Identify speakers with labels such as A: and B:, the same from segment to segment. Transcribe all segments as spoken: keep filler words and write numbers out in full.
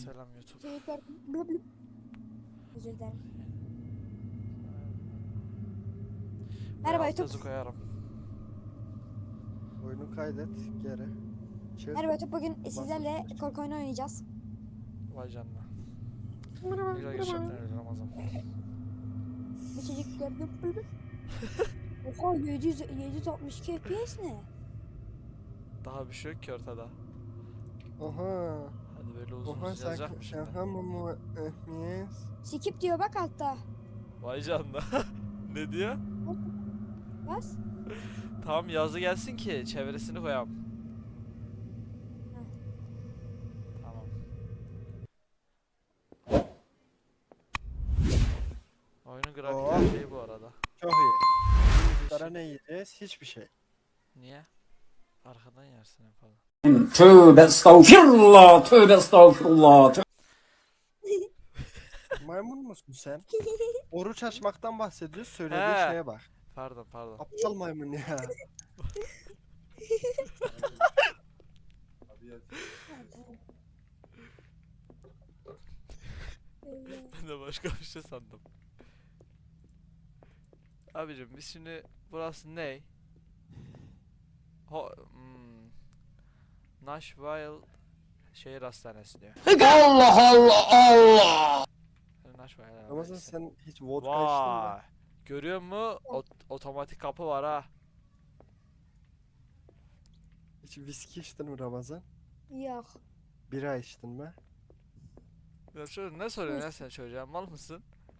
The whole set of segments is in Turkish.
A: Selam YouTube.
B: Şey gördüm. Blub blub. Özür dilerim. Merhaba
A: Ve alt
B: YouTube.
A: yazı koyarım.
C: Oyunu kaydet geri. Çık.
B: Merhaba YouTube. Bugün sizlerle
C: üstüne çık.
B: korku oyunu oynayacağız.
A: Vay canına.
B: Merhaba.
A: Ne güzel geçecekler öyle Ramazan.
B: Bir çocuk gördüm. Blub blub. Oha yedi yüz, yedi yüz altmış iki F P S ne?
A: Daha bir şey yok ki ortada.
C: Oha.
A: Hadi böyle uzun
C: Oha
A: uzun
C: sen
A: yazacak mı şimdi?
C: şaka mı yes.
B: Skip diyor bak altta.
A: Vay canına. Ne diyor?
B: Bas.
A: Tamam yazı gelsin ki çevresini koyalım.
B: Heh.
A: Tamam. Oyunun
C: Oo.
A: grafikleri şey bu arada.
C: Çok iyi. Para
A: Değişik.
C: ne yiyeceğiz? Hiçbir şey.
A: Niye? Arkadan yersin en fazla.
D: Tövbe estağfirullah, tövbe estağfirullah.
C: Maymun musun sen? Oruç açmaktan bahsediyoruz. Söylediği
A: He.
C: şeye bak.
A: Pardon pardon.
C: Aptal maymun ya.
A: Ben de başka bir şey sandım. Abicim biz şimdi burası ne? Ho hmm. Nashville şehir hastanesi diyor.
D: Allah Allah Allah.
A: Nashville herhalde
C: Ramazan
A: neyse.
C: sen hiç vodka içtin mi?
A: Vay. Görüyor musun? Ot otomatik kapı var ha.
C: Hiç viski içtin mi Ramazan?
B: Yok.
C: Bira içtin mi?
A: Ya çocuk ne soruyorsun ya sen çocuğa? Mal mısın?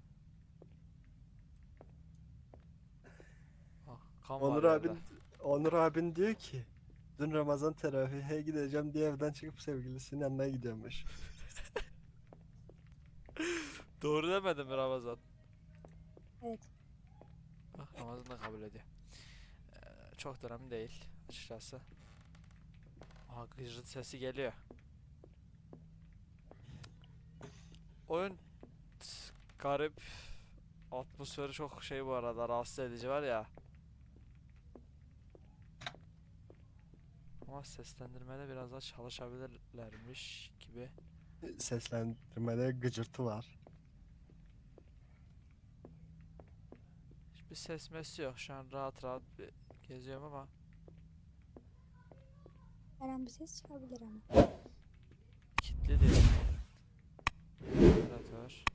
A: Ah, kan var
C: Onur
A: yerde.
C: abin Onur abin diyor ki dün Ramazan teravihe gideceğim diye evden çıkıp sevgilisinin yanına gidiyormuş.
A: Doğru demedim mi Ramazan?
B: Evet.
A: Bak Ramazan da kabul ediyor. Ee, çok da önemli değil açıkçası. Aha gıcırt sesi geliyor. Oyun t- garip. Atmosferi çok şey bu arada rahatsız edici var ya. Ama seslendirmede biraz daha çalışabilirlermiş gibi.
C: Seslendirmede gıcırtı var.
A: Hiçbir ses mesi yok. Şu an rahat rahat bir geziyorum ama
B: Her an bir ses çıkabilir ama.
A: kilitli değil. Operatör.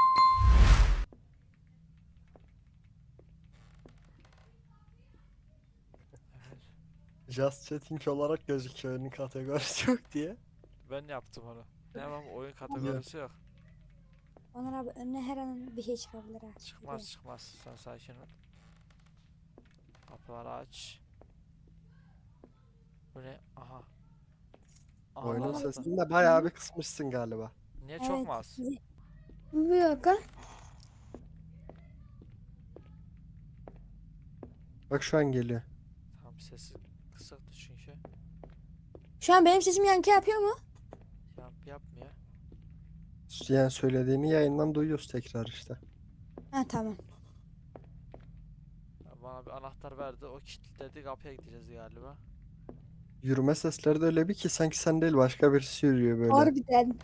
A: Evet.
C: Just chatting olarak gözüküyor oyunun kategorisi yok diye.
A: Ben yaptım onu. Ne yapalım oyun kategorisi yok.
B: Onur abi önüne her an bir şey çıkabilir ha.
A: Çıkmaz çıkmaz. Sen sakin ol. Kapıları aç. Bu ne? Aha. Aha
C: Oyunun
A: lan.
C: sesini de bayağı bir kısmışsın galiba.
A: Niye çok mu az?
B: Bir dakika.
C: Bak şu an geliyor.
A: Tamam sesi kısıktı çünkü.
B: Şu an benim sesim yankı yapıyor mu?
A: Yap yapmıyor.
C: Yani söylediğini yayından duyuyoruz tekrar işte.
B: Ha tamam.
A: Ya bana bir anahtar verdi. O kilitledi. Kapıya gideceğiz galiba.
C: Yürüme sesleri de öyle bir ki sanki sen değil başka birisi yürüyor böyle.
B: Harbiden.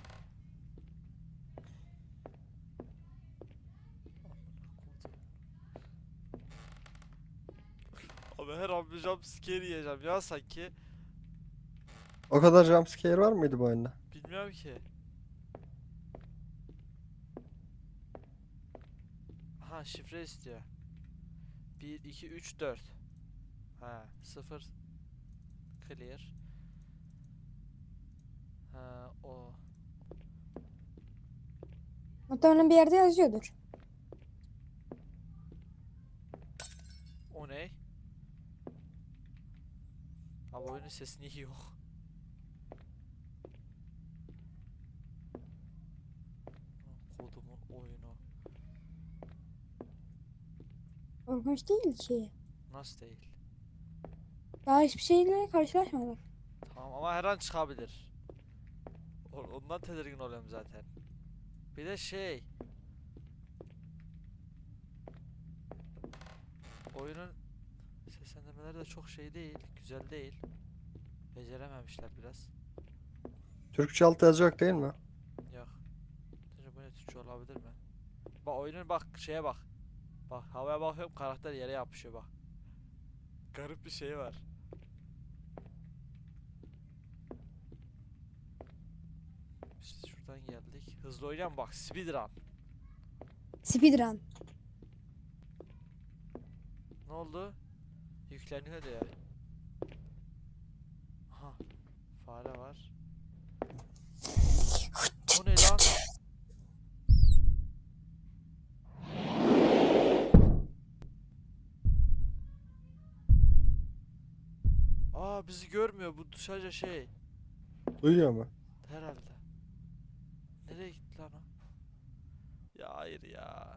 A: Abi her an bir jumpscare yiyeceğim ya sanki.
C: O kadar jumpscare var mıydı bu oyunda?
A: Bilmiyorum ki. Aha şifre istiyor. bir, iki, üç, dört. Ha sıfır. Clear. Ha o.
B: Muhtemelen bir yerde yazıyordur.
A: O ne? Abi oyunun sesi niye yok? Kodumun oyunu.
B: Korkunç değil ki.
A: Nasıl değil?
B: Daha hiçbir şeyle karşılaşmadık.
A: Tamam ama her an çıkabilir. O- Ondan tedirgin oluyorum zaten. Bir de şey. Oyunun seslendirmeleri de çok şey değil, güzel değil. Becerememişler biraz.
C: Türkçe alt yazı yok değil mi?
A: Yok. Bak oyunun bak şeye bak. Bak havaya bakıyorum karakter yere yapışıyor bak. Garip bir şey var. Biz şuradan geldik. Hızlı oynayalım bak speedrun.
B: Speedrun.
A: Ne oldu? Yükleniyor diyor. Aha. Fare var. O ne lan? Aa bizi görmüyor bu sadece şey.
C: Duyuyor mu?
A: Herhalde. Nereye gitti lan o? Ya hayır ya.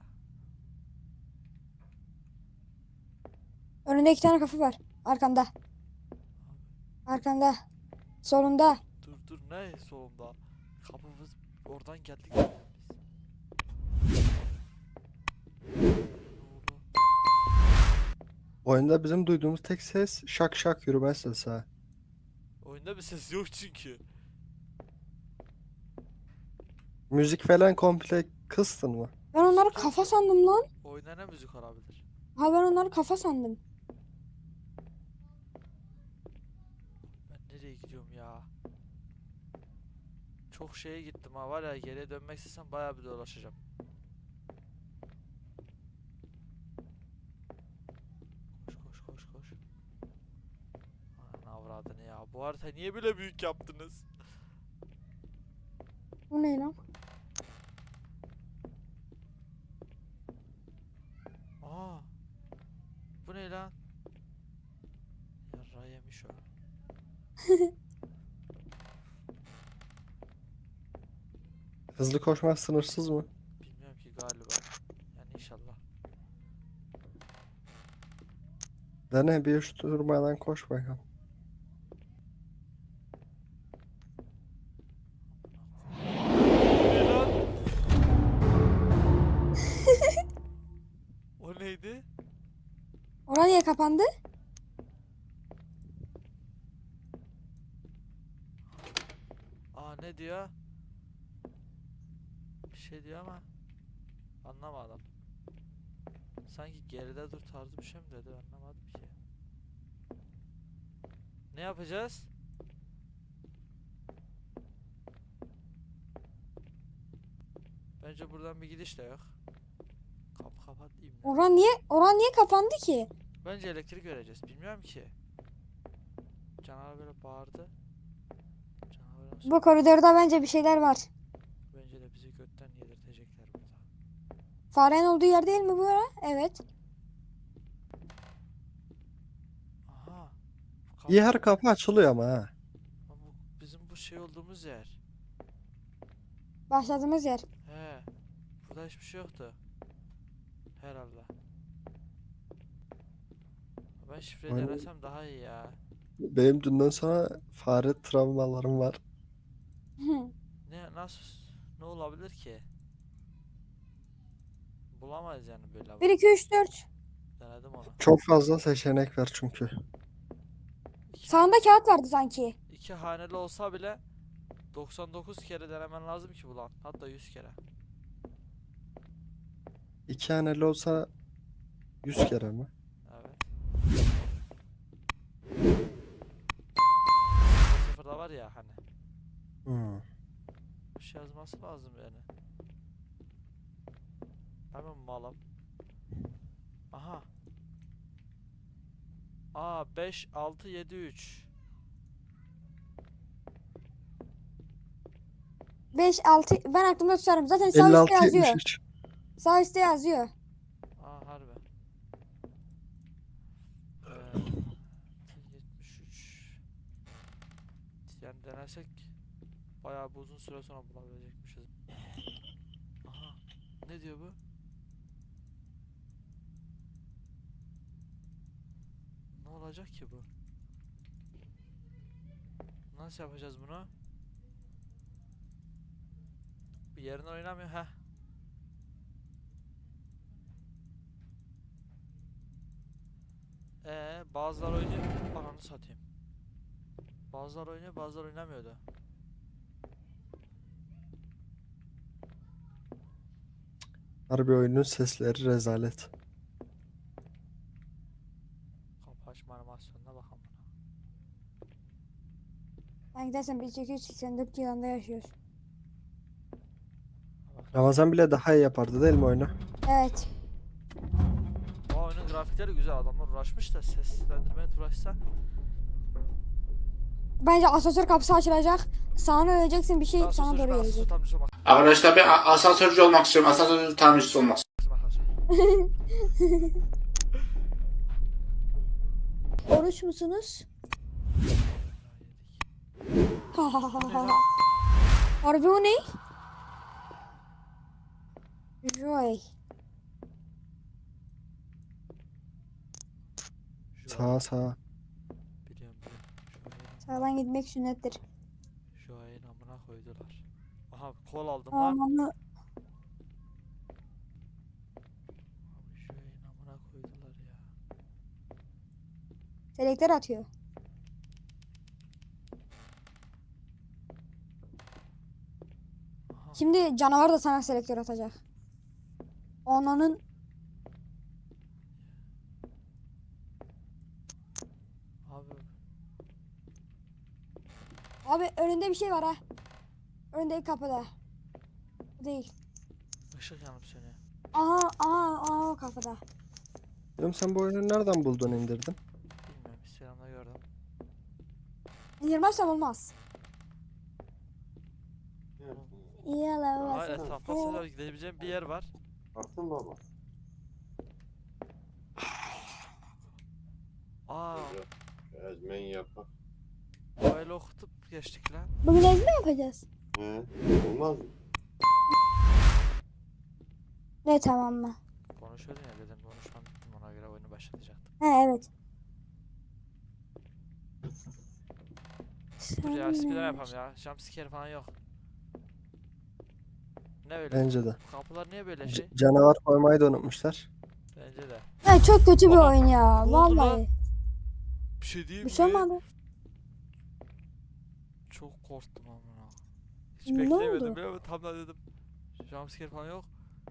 B: Önünde iki tane kapı var. Arkanda. Arkanda. Solunda.
A: Dur dur ne solunda? Kapımız oradan geldik zaten biz. Ne oldu?
C: Oyunda bizim duyduğumuz tek ses şak şak yürüme sesi ha.
A: Oyunda bir ses yok çünkü.
C: Müzik falan komple kıstın mı?
B: Ben onları kafa sandım lan.
A: Oyunda ne müzik olabilir?
B: Ha ben onları kafa sandım.
A: Ben nereye gidiyorum ya? Çok şeye gittim ha var ya geriye dönmek istesem bayağı bir dolaşacağım. Koş koş koş koş. Anan avradını ya. Bu harita niye böyle büyük yaptınız?
B: Bu ne lan?
A: Aa. Bu ne lan? Yarra yemiş o.
C: Hızlı koşmak sınırsız mı?
A: Bilmiyorum ki galiba. Yani inşallah.
C: Dene bir üç durmadan koş bakalım.
A: Ne lan? O neydi?
B: Orası niye kapandı?
A: Aa ne diyor? Bir şey diyor ama anlamadım. Sanki geride dur tarzı bir şey mi dedi anlamadım ki. Ne yapacağız? Bence buradan bir gidiş de yok. Kapı kapat diyeyim ya.
B: Orası niye, orası niye kapandı ki?
A: Bence elektrik göreceğiz. Bilmiyorum ki. Canavar böyle bağırdı. Canavar nasıl-
B: Bu koridorda bence bir şeyler var.
A: Bence de bizi götten yedirtecekler burada.
B: Farenin olduğu yer değil mi bu ara? Evet.
A: Aha. Kapı-
C: Yer kapı açılıyor ama ha.
A: Ama bu bizim bu şey olduğumuz yer.
B: Başladığımız yer.
A: He. Burada hiçbir şey yoktu. Herhalde. Ben şifreyi
C: Aynen.
A: denesem daha iyi ya.
C: Benim dünden sonra fare travmalarım var.
A: Ne nasıl ne olabilir ki? Bulamayız yani böyle.
B: bir, iki, üç, dört.
A: Denedim onu.
C: Çok fazla seçenek var çünkü.
A: İki,
B: Sağında kağıt vardı sanki.
A: iki haneli olsa bile doksan dokuz kere denemen lazım ki bulan. Hatta yüz kere.
C: İki haneli olsa yüz kere mi?
A: Evet. Sıfırda var ya hani.
C: Hmm.
A: Bir şey yazması lazım yani. Hemen malım. Aha. Aa beş altı yedi üç.
B: beş, altı. Ben aklımda tutarım. Zaten sağ
C: elli
B: üstte
C: altı
B: yazıyor.
C: yetmiş üç.
B: Sağ üstte yazıyor.
A: Aa harbi. Ee, yetmiş üç. Yani denersek bayağı bir uzun süre sonra bulabilecekmişiz. Aha. Ne diyor bu? Ne olacak ki bu? Nasıl yapacağız bunu? Bir yerine oynamıyor. Heh. Ee, bazılar oynuyor. Ananı satayım. Bazılar oynuyor, bazılar oynamıyordu.
C: Harbi oyunun sesleri rezalet.
A: Kapı açma animasyonuna bakalım.
B: Ben gidersen bin sekiz yüz seksen dört yılında yaşıyoruz.
C: Ramazan bile daha iyi yapardı değil mi oyunu?
B: Evet.
A: Bu oyunun grafikleri güzel, adamlar uğraşmış da seslendirmeye uğraşsa.
B: Bence asansör kapısı açılacak. Sağına öleceksin, bir şey
A: Ben
B: sana
A: asansörcü,
B: doğru
A: ben asansör
B: gelecek.
A: tamircisi olmak
D: Arkadaşlar ben a- asansörcü olmak istiyorum. Asansör tamircisi olmak
A: istiyorum arkadaşlar.
B: Oruç musunuz? Harbi o ne? Joy.
C: Sağa sağa.
A: Biliyorum biliyorum. Şu ayın,
B: Sağdan gitmek sünnettir.
A: şu ayın amına koydular. Aha kol aldım lan.
B: Amanı.
A: Abi şu ayın amına koydular ya.
B: Selektör atıyor.
A: Aha.
B: Şimdi canavar da sana selektör atacak. Onanın
A: Abi
B: abi önünde bir şey var ha. Önündeki kapıda. Bu değil.
A: ışık yanıp sönüyor.
B: Aha aha aha o kapıda.
C: Oğlum sen bu oyunu nereden buldun indirdin?
A: Bilmiyorum, Instagram'da gördüm.
B: İndirmezsem olmaz. Yala
A: Hayır, etrafta sadece gidebileceğim bir yer var.
E: Baktın baba.
A: Aa,
E: Ezmen yapak.
A: böyle okutup geçtik lan.
B: Bugün ezme yapacağız.
E: He. Olmaz mı?
B: Ne tamam mı?
A: Konuşuyordun ya, dedim konuşmam bittim, ona göre oyunu başlatacaktım.
B: He evet.
A: Dur ya, speedrun yapalım ya. Jumpscare falan yok. Ne öyle?
C: Bence de.
A: Bu kapılar niye böyle
C: C-
A: şey?
C: canavar koymayı da unutmuşlar.
A: Bence de.
B: He çok kötü bir
A: Aha,
B: oyun ya.
A: ne oldu lan?
B: Vallahi.
A: Bir şey diyeyim
B: Bir şey
A: mi?
B: olmadı.
A: Çok korktum amına. Hiç
B: Ne
A: beklemiyordum
B: oldu?
A: biliyor musun? Tam da dedim. Jumpscare falan yok.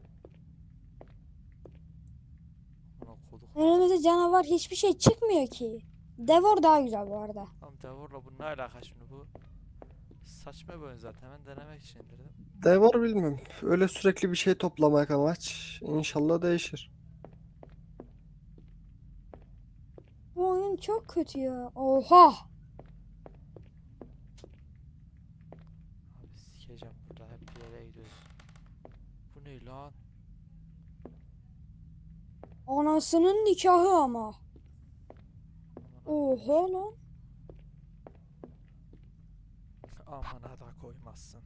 A: Amına koduk.
B: Önümüzde canavar hiçbir şey çıkmıyor ki. Devor daha güzel bu arada.
A: Tamam, Devor'la bu ne alaka şimdi bu? Saçma bir oyun zaten, ben denemek için indirdim.
C: Devor bilmiyorum. Öyle sürekli bir şey toplamak amaç. İnşallah değişir.
B: Bu oyun çok kötü ya. Oha.
A: Abi sikeceğim, burada hep bir yere gidiyoruz. Bu ne lan?
B: Anasının nikahı ama.
A: Amına
B: Oha lan.
A: Amına da koymazsın.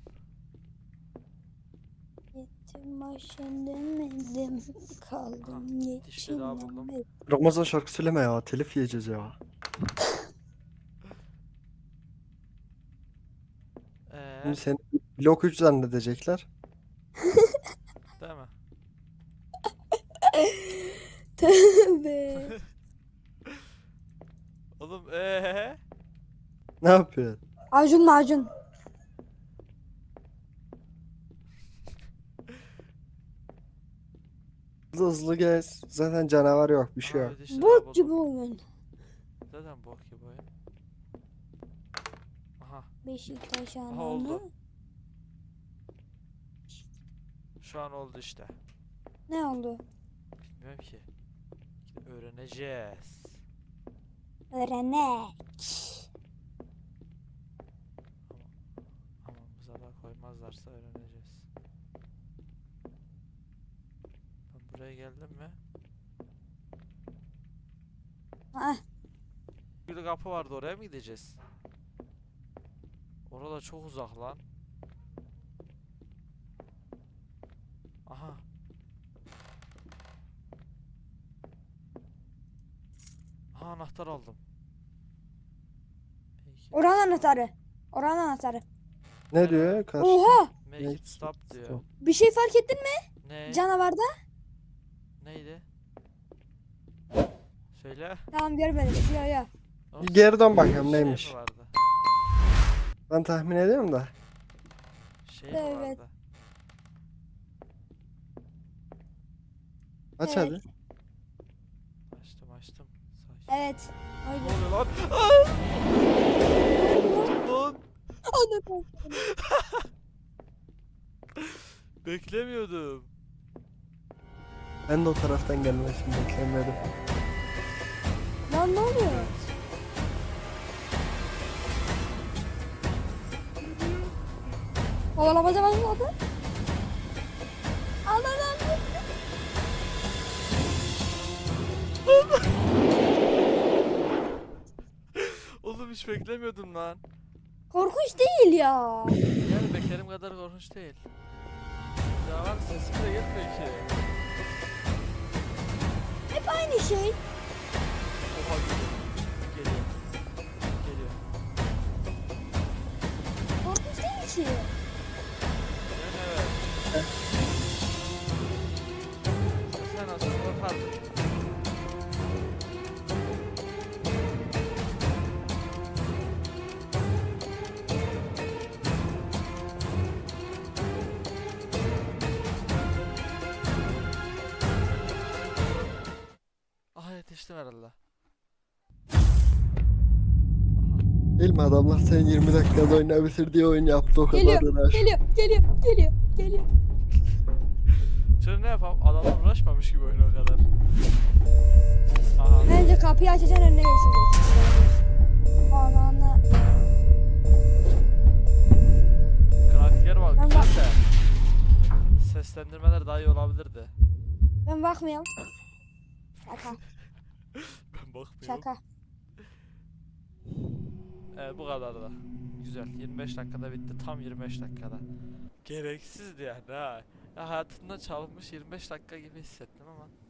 B: Gittim başın demedim. Kaldım
A: dişli daha buldum.
B: geçinemedim.
C: Ramazan şarkı söyleme ya. Telif yiyeceğiz ya.
A: Eee,
C: Şimdi seni blok üç zannedecekler.
A: değil mi?
B: Tövbe.
A: Oğlum eee?
C: Ne yapıyorsun?
B: Acun macun.
C: Hızlı hızlı gez. Zaten canavar yok. Bir şey yok.
A: Abi dişli daha
B: Bok
A: buldum.
B: gibi oyun.
A: Zaten bok gibi oyun. Aha,
B: Beşiktaş
A: Aha, oldu.
B: ananı.
A: şu an oldu işte.
B: Ne oldu?
A: Bilmiyorum ki. Öğreneceğiz.
B: Öğrenek.
A: Hamamıza da koymazlarsa öğreneceğiz. Ben buraya geldim mi?
B: Ah,
A: Bir kapı vardı, oraya mı gideceğiz? Orada çok uzak lan. Aha. Aha, anahtar aldım. Peki.
B: oranın anahtarı. Oranın anahtarı.
C: Ne diyor? Karşı.
B: Oha.
A: Make
C: Make
A: it stop diyor.
C: stop.
B: Bir şey fark ettin mi?
A: Ne?
B: Canavarda.
A: Neydi? Söyle.
B: Tamam görmedim. Ya ya.
A: Oğlum,
C: Bir geri dön
A: şey
C: bakalım
A: mi
C: neymiş.
A: vardı?
C: Ben tahmin ediyorum da.
A: Şey mi
B: Evet.
A: vardı?
C: Aç
B: Evet.
C: hadi.
A: Açtım açtım. Sakin.
B: Evet.
A: Ne
B: Aynen.
A: oluyor lan? Aa! Lan
B: Anladım.
A: beklemiyordum.
C: Ben de o taraftan gelmesini beklemedim.
B: Lan ne oluyor? Kovalamaca başladı. Allah Allah.
A: Oğlum hiç beklemiyordum lan.
B: Korkunç değil ya.
A: Yani bekerim kadar korkunç değil. Ya var sesim de gelmiyor ki.
B: Hep aynı şey.
A: Oha geliyor. Geliyor. Geliyor.
B: Korkunç değil ki.
A: Yani evet. Sen aslında korkardın. Aha yetiştim herhalde.
C: Değil mi adamlar sen yirmi dakikada oyna bitir diye oyun yaptı o kadar
B: Geliyor,
C: uğraş.
B: geliyor, geliyor, geliyor, geliyor.
A: Şimdi ne yapalım? Adamlar uğraşmamış gibi oyuna o kadar. Aha.
B: Bence kapıyı açacaksın önüne geçeceksin. Ananı.
A: Grafikleri bak
B: Ben
A: güzel
B: bak-
A: de. Seslendirmeler daha iyi olabilirdi.
B: Ben bakmıyorum. Şaka,
A: Ben bakmıyorum.
B: şaka.
A: Evet bu kadar da. Güzel. yirmi beş dakikada bitti. Tam yirmi beş dakikada. Gereksizdi yani ha. Ya hayatımda çalınmış yirmi beş dakika gibi hissettim ama.